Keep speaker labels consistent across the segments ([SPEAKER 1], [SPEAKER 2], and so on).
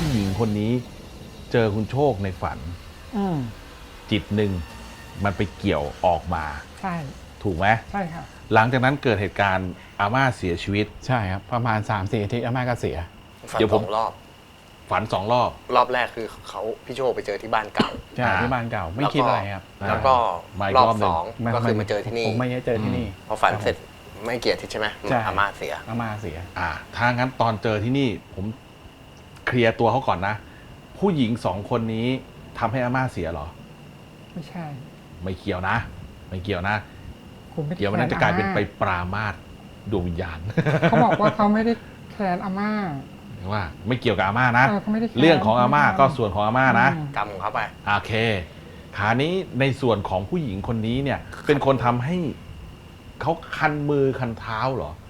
[SPEAKER 1] หญิงคนนี้เจอคุณโชคในฝันจิตหนึ่งมันไปเกี่ยวออกมา
[SPEAKER 2] ใช่
[SPEAKER 1] ถูกไหม
[SPEAKER 2] ใช่ค่ะ
[SPEAKER 1] หลังจากนั้นเกิดเหตุการณ์อาม่าเสียชีวิต
[SPEAKER 3] ใช่ครับประมาณ 3-4 อาทิตย์อาม่าก็เสีย
[SPEAKER 4] ฝันสองรอบ
[SPEAKER 1] ฝัน2 รอบ
[SPEAKER 4] รอบแรกคือพี่โชคไปเจอที่บ้านเก่า
[SPEAKER 3] ใช่ที่บ้านเก่าไม่คิดอะไรครับ
[SPEAKER 4] แล้วก็รอบ2ก็คือมาเจอที่นี่
[SPEAKER 3] ผมไม่ได้เจอที่นี่
[SPEAKER 4] พอฝันเสร็จไม่เกี่ยวทิศใช่ไหมอาม่าเสีย
[SPEAKER 1] ถ้างั้นตอนเจอที่นี่ผมเคลียร์ตัวเขาก่อนนะผู้หญิง2 คนนี้ทำให้อาม่าเสียเหรอ
[SPEAKER 2] ไม่ใช่
[SPEAKER 1] ไม่เกี่ยวนะไม่เกี่ยวนะเดี๋ยวมันจะกลายเป็นไปปรามาสดวงวิญญาณ
[SPEAKER 2] เขาบอกว่าเขาไม่ได้แค้นอาม่า
[SPEAKER 1] ว่าไม่เกี่ยวกับอาม่านะเรื่องของอาม่าก็ส่วนของอาม่านะ
[SPEAKER 4] กรรมของเขาไป
[SPEAKER 1] โอเคคราวนี้ในส่วนของผู้หญิงคนนี้เนี่ยเป็นคนทำให้เขาคันมือคันเท้าเหรอ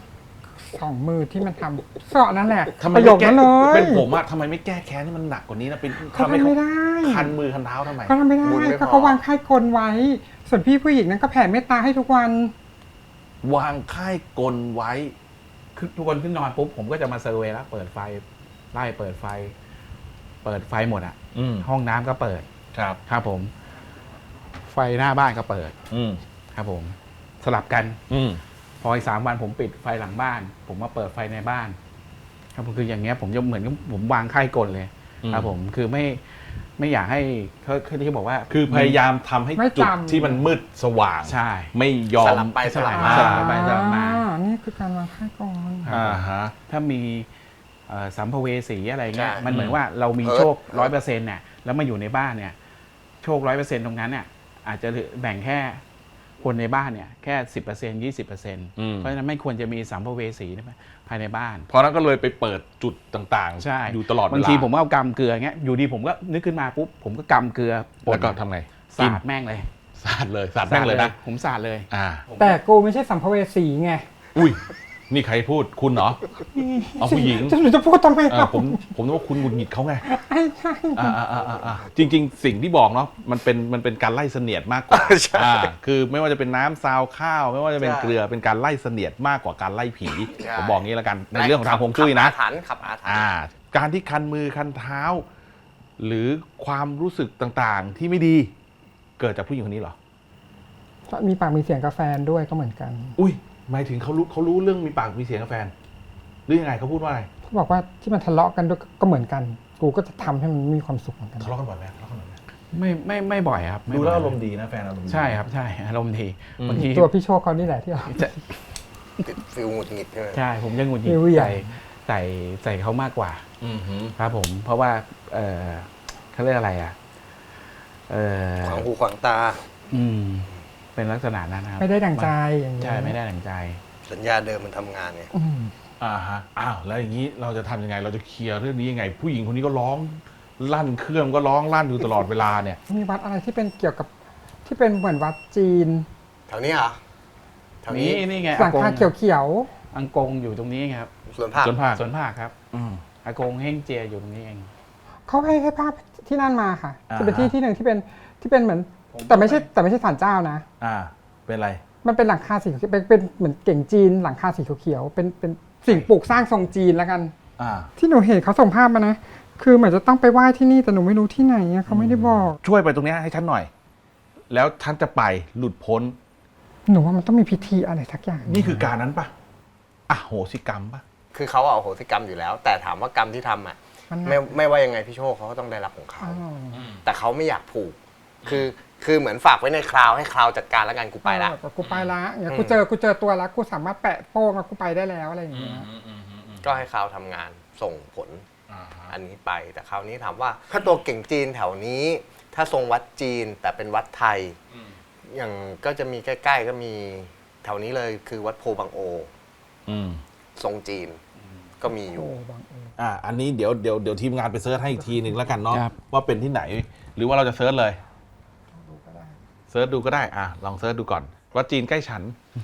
[SPEAKER 2] 2 มือที่มันทำเสาะนั่นแหละ
[SPEAKER 1] ทำไมไม่แก้เป็นผมอะทำไมไม่แก้แค้นให้มันหนักกว่านี้นะเป็น
[SPEAKER 2] ทำไม่ได้
[SPEAKER 1] คันมือคันเท้าทำไม
[SPEAKER 2] เขาทำไม่ได้เขาวางค่ายกลไว้ส่วนพี่ผู้หญิงนั้นก็แผ่เมตตาให้ทุกวัน
[SPEAKER 1] วางค่ายกลไว้
[SPEAKER 3] คือทุกคนขึ้นนอนปุ๊บผมก็จะมาเซอร์เวย์แล้วเปิดไฟไล่เปิดไฟหมดอ่ะห้องน้ำก็เปิดครับผมไฟหน้าบ้านก็เปิดครับผมสลับกันพออีก3 วันผมปิดไฟหลังบ้านผมมาเปิดไฟในบ้านครับผมคืออย่างเงี้ยผมจะเหมือนกับผมวางค่ายกลเลยครับผมคือไม่อยากให้เขาที่บอกว่า
[SPEAKER 1] คือพยายามทำให้จุดที่มันมืดสว่าง
[SPEAKER 3] ใช่
[SPEAKER 1] ไม่ยอม
[SPEAKER 4] สลับไปสลับ
[SPEAKER 2] มานี่คือการวางค่ายกล
[SPEAKER 3] ถ้ามีสัมภเวสีอะไรเงี้ยมันเหมือนว่าเรามีโชค 100% เนี่ยแล้วมาอยู่ในบ้านเนี่ยโชค 100% ตรงนั้นเนี่ยอาจจะแบ่งแค่คนในบ้านเนี่ยแค่ 10% 20%เพราะฉะนั้นไม่ควรจะมีสัมภเวสีภายในบ้าน
[SPEAKER 1] เพราะนั้นก็เลยไปเปิดจุดต่างๆ
[SPEAKER 3] ใช่
[SPEAKER 1] อยู่ตลอดเวลา
[SPEAKER 3] บางทีผมก็เอากำเกลือเงี้ยอยู่ดีผมก็นึกขึ้นมาปุ๊บผมก็กำเกลือ
[SPEAKER 1] แล้วก็ทำไง
[SPEAKER 3] สาดแม่งเลย
[SPEAKER 1] สาดแม่งเลยนะ
[SPEAKER 3] ผมสาดเลย
[SPEAKER 2] แต่กูไม่ใช่สัมภเวสีไง
[SPEAKER 1] อุ้ยนี่ใครพูดคุณเหรอเอาผู้หญิง
[SPEAKER 2] จะพูดทำไม
[SPEAKER 1] ผมนึกว่าคุณหงุดหงิดเขาไง
[SPEAKER 2] ใช่
[SPEAKER 1] จริงๆสิ่งที่บอกเนาะมันเป็นการไล่เสนียดมากกว่าคือไม่ว่าจะเป็นน้ำซาวข้าวไม่ว่าจะเป็นเกลือเป็นการไล่เสนียดมากกว่าการไล่ผีผมบอกงี้แล้วกันในเรื่องของทางฮวงจุ้ยนะ
[SPEAKER 4] ขับอาถรรพ์
[SPEAKER 1] การที่คันมือคันเท้าหรือความรู้สึกต่างๆที่ไม่ดีเกิดจากผู้หญิงคนนี้เหรอ
[SPEAKER 2] มีปากมีเสียงกับแฟนด้วยก็เหมือนกัน
[SPEAKER 1] อุ้ยหมายถึงเขารู้เรื่องมีปากมีเสียงกับแฟนหรือยังไงเขาพูดว่าอะไร
[SPEAKER 2] เขาบอกว่าที่มันทะเลาะกันด้วยก็เหมือนกันกูก็จะทำให้มันมีความสุขเหมือนกัน
[SPEAKER 1] ทะเลาะกันบ่อยไหม
[SPEAKER 3] ไม่บ่อยครับ
[SPEAKER 1] ดูแล้วอารมณ์ดีนะแฟนอารมณ์ดี
[SPEAKER 3] ใช่ครับใช่อารมณ์ดีบางที
[SPEAKER 2] ตัวพี่โชคเขานี่แหละที่เรา
[SPEAKER 4] ฟิลหงุดหงิด
[SPEAKER 3] ใช่ผมจะหงุดหงิดใส่เขามากกว่าครับผมเพราะว่าเขาเรียกอะไร
[SPEAKER 4] ขวางหูขวางตา
[SPEAKER 3] เป็นลักษณะนั้นครับ
[SPEAKER 2] ไม่ได้ดั่งใจอย่างนี้
[SPEAKER 3] ใช่ไม่ได้ดั่งใจ
[SPEAKER 4] สัญญาเดิมมันทำงานเนี่ย
[SPEAKER 1] แล้วอย่างนี้เราจะทำยังไงเราจะเคลียร์เรื่องนี้ยังไงผู้หญิงคนนี้ก็ร้องลั่นเครื่องก็ร้องลั่นอยู่ตลอดเวลาเนี่ย
[SPEAKER 2] มีวัดอะไรที่เป็นเกี่ยวกับที่เป็นเหมือนวัดจีน
[SPEAKER 4] แถวนี้เหรอแถวนี้
[SPEAKER 3] นี่ไง
[SPEAKER 2] หลังคาเขียว
[SPEAKER 3] อังกงอยู่ตรงนี้ครับ
[SPEAKER 4] สวนผัก
[SPEAKER 3] ครับอากงเฮงเจียอยู่ตรงนี้เอง
[SPEAKER 2] เขาให้ภาพที่นั่นมาค่ะจะเป็นที่หนึ่งที่เป็นเหมือนแต่ไม่ใช่ศาลเจ้านะ
[SPEAKER 1] เป็นอะไร
[SPEAKER 2] มันเป็นหลังคาสีเป็นเหมือนเก่งจีนหลังคาสีเขียวๆเป็นสิ่งปลูกสร้างทรงจีนแล้วกันที่หนูเห็นเขาส่งภาพมานะคือเหมือนจะต้องไปไหว้ที่นี่แต่หนูไม่รู้ที่ไหนเขาไม่ได้บอก
[SPEAKER 1] ช่วยไปตรงนี้ให้ฉันหน่อยแล้วท่านจะไปหลุดพ้น
[SPEAKER 2] หนูว่ามันต้องมีพิธีอะไรสักอย่าง
[SPEAKER 1] นี่คือการนั้นปะโหสิกรรมปะ
[SPEAKER 4] คือเขาเอาโหสิกรรมอยู่แล้วแต่ถามว่ากรรมที่ทำไม่ว่ายังไงพี่โชคเขาก็ต้องได้รับของเขาแต่เขาไม่อยากผูกคือเหมือนฝากไว้ในคราวให้คราวจัดการแล้วกันกูไปละ
[SPEAKER 2] อย่างกูเจอตัวแล้วกูสามารถแปะโป้งแล้วกูไปได้แล้วอะไรอย่างเงี้ย
[SPEAKER 4] ก็ให้คราวทำงานส่งผลอันนี้ไปแต่คราวนี้ถามว่าถ้าตัวเก่งจีนแถวนี้ถ้าทรงวัดจีนแต่เป็นวัดไทยอย่างก็จะมีใกล้ๆก็มีแถวนี้เลยคือวัดโพบังโอทรงจีนก็มีอยู่
[SPEAKER 1] อันนี้เดี๋ยวทีมงานไปเซิร์ชให้อีกทีหนึ่งแล้วกันเนาะว่าเป็นที่ไหนหรือว่าเราจะเซิร์ชเลยเซิร์ชดูก็ได้ลองเซิร์ชดูก่อนวัดจีนใกล้ฉัน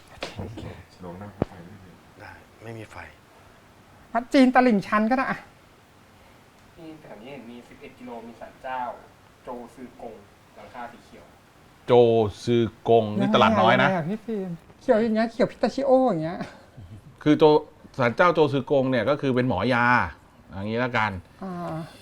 [SPEAKER 4] ได้ไม่มีไฟ
[SPEAKER 2] วัดจีนตลิ่งชันก็ได้
[SPEAKER 5] ที่แถวนี้มี11 กิโลมีศาลเจ้าโจซือกงหลังคาสีเขียว
[SPEAKER 1] โจซือกงนี่ตลาดน้อยนะ
[SPEAKER 2] พี่ฟิล์มเขียวอย่างเงี้ยเขียวพิตาชิโออย่างเงี้ย
[SPEAKER 1] คือศาลเจ้าโจซือกงเนี่ยก็คือเป็นหมอยาอย่างนี้แล้วกัน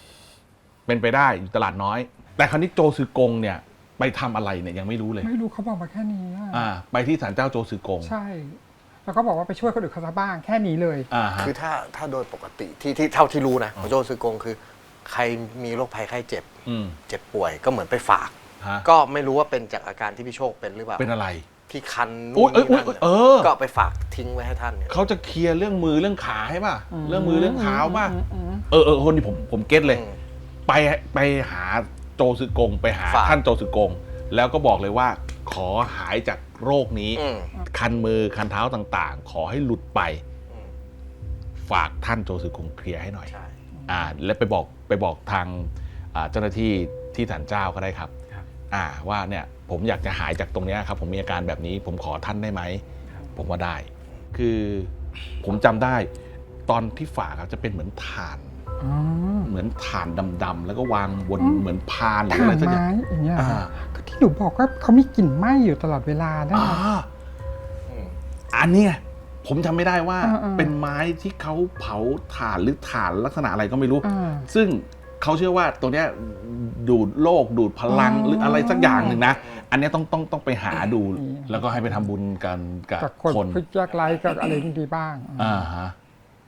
[SPEAKER 1] เป็นไปได้อยู่ตลาดน้อย แต่คราวนี้โจซือกงเนี่ยไปทำอะไรเนี่ยยังไม่รู้เลย
[SPEAKER 2] ไม่รู้เขาบอกมาแค่นี้อะ
[SPEAKER 1] ไปที่ศาลเจ้าโจซือกง
[SPEAKER 2] ใช่ แล้วก็บอกว่าไปช่วยคนอื่นเขาซะบ้างแค่นี้เลย
[SPEAKER 1] ฮะ
[SPEAKER 4] คือถ้าโดยปกติที่เท่าที่รู้นะของโจซือกงคือ ใครมีโรคภัยไข้เจ็บ เจ็บป่วยก็เหมือนไปฝาก ก็ไม่รู้ว่าเป็นจากอาการที่พี่โชคเป็นหรือเปล่า
[SPEAKER 1] เป็นอะไร
[SPEAKER 4] ที่คัน
[SPEAKER 1] อุ๊
[SPEAKER 4] นู่
[SPEAKER 1] ย
[SPEAKER 4] นนี่นั่น
[SPEAKER 1] เออ
[SPEAKER 4] ก็ไปฝากทิ้งไว้ให้ท่านเนี่ย
[SPEAKER 1] เขาจะเคลียร์เรื่องมือเรื่องขาให้ป่ะ เรื่องมือเรื่องเท้าป่ะ
[SPEAKER 2] อืม
[SPEAKER 1] คนนี้ผมเก็ตเลย
[SPEAKER 4] อืม
[SPEAKER 1] ไปหาโจซือกง ไปหา
[SPEAKER 4] ฝาก
[SPEAKER 1] ท่านโจซือกง แล้วก็บอกเลยว่า ขอหายจากโรคนี้
[SPEAKER 4] อืม
[SPEAKER 1] คันมือคันเท้าต่างๆ ขอให้หลุดไป
[SPEAKER 4] อืม
[SPEAKER 1] ฝากท่านโจซือกงเคลียร์ให้หน่อย
[SPEAKER 4] ใช่
[SPEAKER 1] และไปบอกทางเจ้าหน้าที่ที่ศาลเจ้าก็ได้ครับ ว่าเนี่ยผมอยากจะหายจากตรงเนี้ยครับ ผมมีอาการแบบนี้ ผมขอท่านได้ไหม ผมว่าได้ คือผมจำได้ ตอนที่ฝากครับจะเป็นเหมือนถ่าน
[SPEAKER 2] อ๋อ
[SPEAKER 1] เหมือนถ่านดำๆแล้วก็วางบน
[SPEAKER 2] อืม
[SPEAKER 1] เหมือนพานหรือ
[SPEAKER 2] ถ่า
[SPEAKER 1] อะไร
[SPEAKER 2] น
[SPEAKER 1] สักอย่าง
[SPEAKER 2] ไม้อย่างเงี้ย
[SPEAKER 1] อ่า
[SPEAKER 2] ก็ที่หนูบอกว่าเขามีกลิ่นไหม้อยู่ตลอดเวลาได้
[SPEAKER 1] อ่า
[SPEAKER 4] อืม
[SPEAKER 1] อันเนี้ยผมจำไม่ได้ว่า
[SPEAKER 2] อ่า
[SPEAKER 1] เป็นไม้ที่เขาเผาถ่านหรือถ่านลักษณะอะไรก็ไม่รู้
[SPEAKER 2] อ่า
[SPEAKER 1] ซึ่งเขาเชื่อว่าตัวเนี้ยดูดโลกดูดพลัง
[SPEAKER 2] อ๋อ
[SPEAKER 1] หรืออะไรสักอย่างหนึ่งนะ อันเนี้ยต้องไปหาดู
[SPEAKER 2] อืม
[SPEAKER 1] แล้วก็ให้ไปทำบุญกันกับ
[SPEAKER 2] กับ
[SPEAKER 1] ค
[SPEAKER 2] คน นผู้ยากไร้กับอะไรดีบ้าง
[SPEAKER 1] ฮะ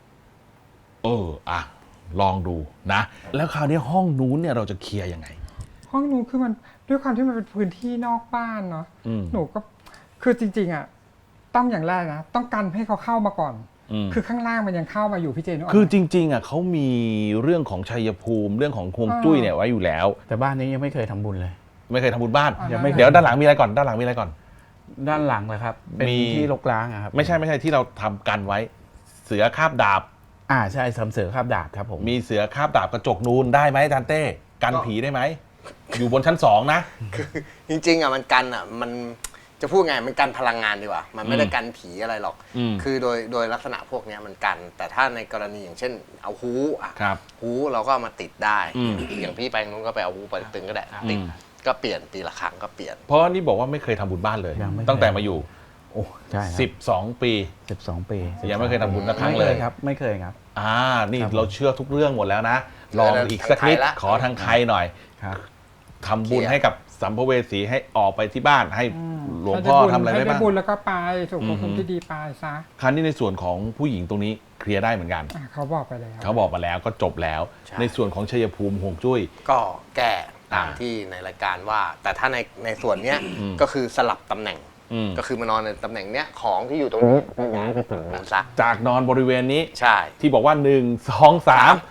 [SPEAKER 1] ลองดูนะ แล้วคราวนี้ห้องนู้นเนี่ยเราจะเคลียร์ยังไง
[SPEAKER 2] ห้องนู้นคือมันด้วยความที่มันเป็นพื้นที่นอกบ้านเนาะ
[SPEAKER 1] อืม
[SPEAKER 2] หนูก็คือจริงๆอ่ะต้องอย่างแรกนะต้องกันให้เขาเข้ามาก่อน คือข้างล่างมันยังเข้ามาอยู่พี่เจนนึกออกไหม
[SPEAKER 1] คือจริงๆเขามีเรื่องของชัยภูมิเรื่องของฮวงจุ้ยเนี่ยไว้อยู่แล้ว
[SPEAKER 3] แต่บ้านนี้ยังไม่เคยทำบุญเลย
[SPEAKER 1] ไม่เคยทำบุญบ้าน
[SPEAKER 2] ยังไม่เคย
[SPEAKER 1] เดี๋ยวด้านหลังมีอะไรก่อนด้านหลังมีอะไรก่อน
[SPEAKER 3] ด้านหลังเลยครับ เป็น
[SPEAKER 1] มี
[SPEAKER 3] ที่รกร้างอะครับ
[SPEAKER 1] ไม่ใช่ที่เราทำกันไว้ เสือคาบดาบ
[SPEAKER 3] ใช่สำเสือคาบดาบครับผม
[SPEAKER 1] มีเสือคาบดาบกระจกนูนได้ไหมอาจารย์เต้กันผีได้ไหมอยู่บนชั้น 2นะ
[SPEAKER 4] จริงๆอ่ะมันกันอ่ะมันจะพูดไงมันกันพลังงานดีกว่า มันไม่ได้กันผีอะไรหรอก คือโดยลักษณะพวกเนี้ยมันกัน แต่ถ้าในกรณีอย่างเช่นเอาฮูอ่ะ
[SPEAKER 1] ครับ
[SPEAKER 4] ฮูเราก็เอามาติดได้
[SPEAKER 1] อืม
[SPEAKER 4] อย่างพี่ไปนู้นก็ไปเอาฮูไปตึงก็ได้ติดก็เปลี่ยนปีละครั้งก็เปลี่ยน
[SPEAKER 1] เพราะนี่บอกว่าไม่เคยทำบุญบ้านเลย
[SPEAKER 3] ยังไม่เคย
[SPEAKER 1] ตั้งแต่มาอยู่
[SPEAKER 3] โอ้ใช่ครับ
[SPEAKER 1] 12 ปี
[SPEAKER 3] 12 ปี
[SPEAKER 1] ยังไม่เคยทำบุญสักครั้ง
[SPEAKER 3] ไม่
[SPEAKER 1] เล
[SPEAKER 3] เค
[SPEAKER 1] ย
[SPEAKER 3] ยครับ ไม่เคยครับ
[SPEAKER 1] นี่
[SPEAKER 3] ครับ
[SPEAKER 1] เราเชื่อทุกเรื่องหมดแล้วนะ ลองอีกสักนิด
[SPEAKER 4] ทางไทยละ
[SPEAKER 1] ขอทางไทยหน่อย
[SPEAKER 3] ครับ
[SPEAKER 1] ทำบุญให้กับสัมภเวสีให้ออกไปที่บ้านให้หลวงพ่อทำอะไรได้
[SPEAKER 2] ให้
[SPEAKER 1] บ้าง
[SPEAKER 2] บุญแล้วก็ไปสู่ภพภูมิที่ดีไปซะ
[SPEAKER 1] คราวนี้ในส่วนของผู้หญิงตรงนี้เคลียร์ได้เหมือนกัน
[SPEAKER 2] เขาบอกไปแล้ว
[SPEAKER 1] เขาบอกมาแล้วก็จบแล้ว
[SPEAKER 4] ใช่
[SPEAKER 1] ในส่วนของชัยภูมิฮวงจุ้ย
[SPEAKER 4] ก็แก้ตามที่ในรายการว่า แต่ถ้าในส่วนเนี้ยก็คือสลับตำแหน่ง ก็คือมานอนในตำแหน่งเนี้ยของที่อยู่ตรงนี้ก็ย้ายไปฝั่งนู้นซะ
[SPEAKER 1] จากนอนบริเวณนี้
[SPEAKER 4] ใช่
[SPEAKER 1] ที่บอกว่า 1 2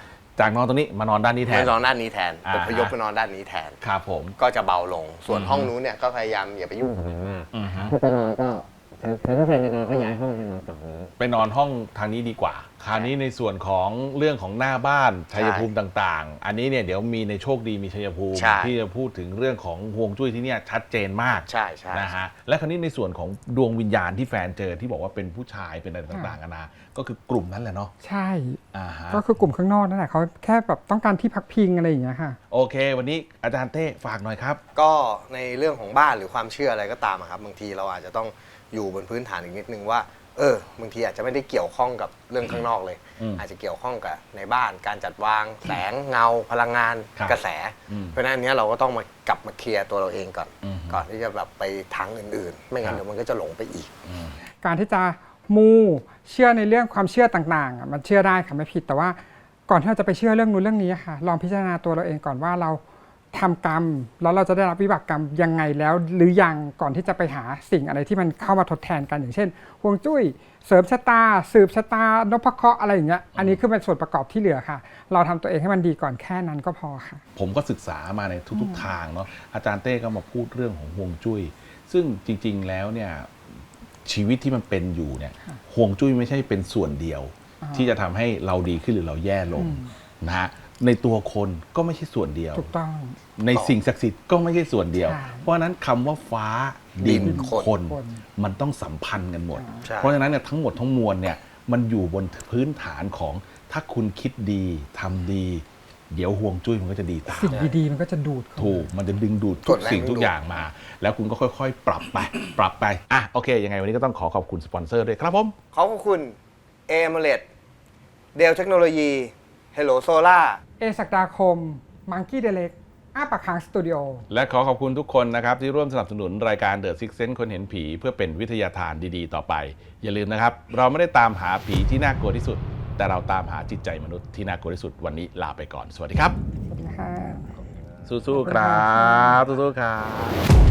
[SPEAKER 1] 3 จากนอนตรงนี้มานอนด้านนี้แท
[SPEAKER 4] ไม่
[SPEAKER 1] น
[SPEAKER 4] นอนด้านนี้แทน
[SPEAKER 1] อ่า
[SPEAKER 4] อพยพไปนอนด้านนี้แทน
[SPEAKER 1] ครับผม
[SPEAKER 4] ก็จะเบาลง ส่วนห้องนู้นเนี่ยก็พยายามอย่าไปยุ่งกับมันมากถ้าจะนอนก็ถ้าใครจะนอนก็ย้ายห้องไปนอนฝั่งนี้
[SPEAKER 1] ไปนอนห้องทางนี้ดีกว่า คราวนี้ในส่วนของเรื่องของหน้าบ้านชัยภูมิต่างๆ อันนี้เนี่ยเดี๋ยวมีในโชคดีมีชัยภูมิ
[SPEAKER 4] ใช่
[SPEAKER 1] ที่จะพูดถึงเรื่องของฮวงจุ้ยที่เนี่ยชัดเจนมาก
[SPEAKER 4] ใช่ใช่
[SPEAKER 1] นะฮะและคราวนี้ในส่วนของดวงวิญญาณที่แฟนเจอที่บอกว่าเป็นผู้ชายเป็นอะไรต่างๆกันานะก็คือกลุ่มนั้นแหละเนาะ
[SPEAKER 2] ใช่
[SPEAKER 1] ฮะ
[SPEAKER 2] ก็คือกลุ่มข้างนอกนั่นแหละเขาแค่แบบต้องการที่พักพิงอะไรอย่างเงี้ยค่ะ
[SPEAKER 1] โอเค วันนี้อาจารย์เต้ฝากหน่อยครับ
[SPEAKER 4] ก็ในเรื่องของบ้านหรือความเชื่ออะไรก็ตามอะครับบางทีเราอาจจะต้องอยู่บนพื้นฐานอีกนิดนึงว่าบางทีอาจจะไม่ได้เกี่ยวข้องกับเรื่องข้างนอกเลย อาจจะเกี่ยวข้องกับในบ้านการจัดวางแสงเงาพลังงาน
[SPEAKER 1] ครับ
[SPEAKER 4] กระแส
[SPEAKER 1] อืม
[SPEAKER 4] เพราะฉะนั้นอันเนี้ยเราก็ต้องมากลับมาเคลียร์ตัวเราเองก่อน
[SPEAKER 1] อืม
[SPEAKER 4] ก่อนที่จะแบบไปทางอื่นๆ ไม่งั้นเดี๋ยวมันก็จะหลงไปอีก
[SPEAKER 2] การที่จะมูเชื่อในเรื่องความเชื่อต่างๆอ่ะมันเชื่อได้ค่ะไม่ผิดแต่ว่าก่อนที่เราจะไปเชื่อเรื่องนู้นเรื่องนี้ค่ะ ลองพิจารณาตัวเราเองก่อนว่าเราทำกรรม แล้วเราจะได้รับวิบากกรรมยังไงแล้ว หรือยังก่อนที่จะไปหาสิ่งอะไรที่มันเข้ามาทดแทนกันอย่างเช่นฮวงจุ้ยเสริมชะตา สืบชะตานพเคราะห์อะไรอย่างเงี้ยอันนี้คือเป็นส่วนประกอบที่เหลือค่ะ เราทำตัวเองให้มันดีก่อนแค่นั้นก็พอค่ะ
[SPEAKER 1] ผมก็ศึกษามาในทุกๆทางเนาะอาจารย์เต้ก็มาพูดเรื่องของฮวงจุ้ยซึ่งจริงๆแล้วเนี่ยชีวิตที่มันเป็นอยู่เนี่ยฮวงจุ้ยไม่ใช่เป็นส่วนเดียว ที่จะทำให้เราดีขึ้นหรือเราแย่ลงนะฮะในตัวคนก็ไม่ใช่ส่วนเดียว
[SPEAKER 2] ถูกต้อง
[SPEAKER 1] ในสิ่งศักดิ์สิทธิ์ก็ไม่ใช่ส่วนเดียว
[SPEAKER 2] ใช่
[SPEAKER 1] เพราะฉะนั้นคำว่าฟ้าดิน
[SPEAKER 4] ดิน
[SPEAKER 1] คน มันต้องสัมพันธ์กันหมด
[SPEAKER 4] ใช่
[SPEAKER 1] เพราะฉะนั้นเนี่ยทั้งหมดทั้งมวลเนี่ยมันอยู่บนพื้นฐานของถ้าคุณคิดดีทำดี เดี๋ยวฮวงจุ้ยมันก็จะดีตาม
[SPEAKER 2] สิ่งดีๆมันก็จะดูดเข้า
[SPEAKER 1] ถูกมันจะดึงดูดทุกสิ่งทุกอย่างมา แล้วคุณก็ค่อยๆ ปรับไปโอเคยังไงวันนี้ก็ต้องขอบคุณสปอนเซอร์ด้วยครับผม
[SPEAKER 4] ขอบคุณเอเมเลตเดลเทคโนโลยีเฮลโลโซล่า
[SPEAKER 2] ศักดาคมมังกี้เดเล็กอ้าปากค้างสตูดิโอ
[SPEAKER 1] และขอขอบคุณทุกคนนะครับที่ร่วมสนับสนุนรายการ The Six Sense คนเห็นผีเพื่อเป็นวิทยาทานดีๆต่อไป อย่าลืมนะครับ เราไม่ได้ตามหาผีที่น่ากลัวที่สุด แต่เราตามหาจิตใจมนุษย์ที่น่ากลัวที่สุดวันนี้ลาไปก่อนสวัสดีครับ
[SPEAKER 2] สวัสดีค่ะ
[SPEAKER 1] สู้ๆครับสู้ๆครับ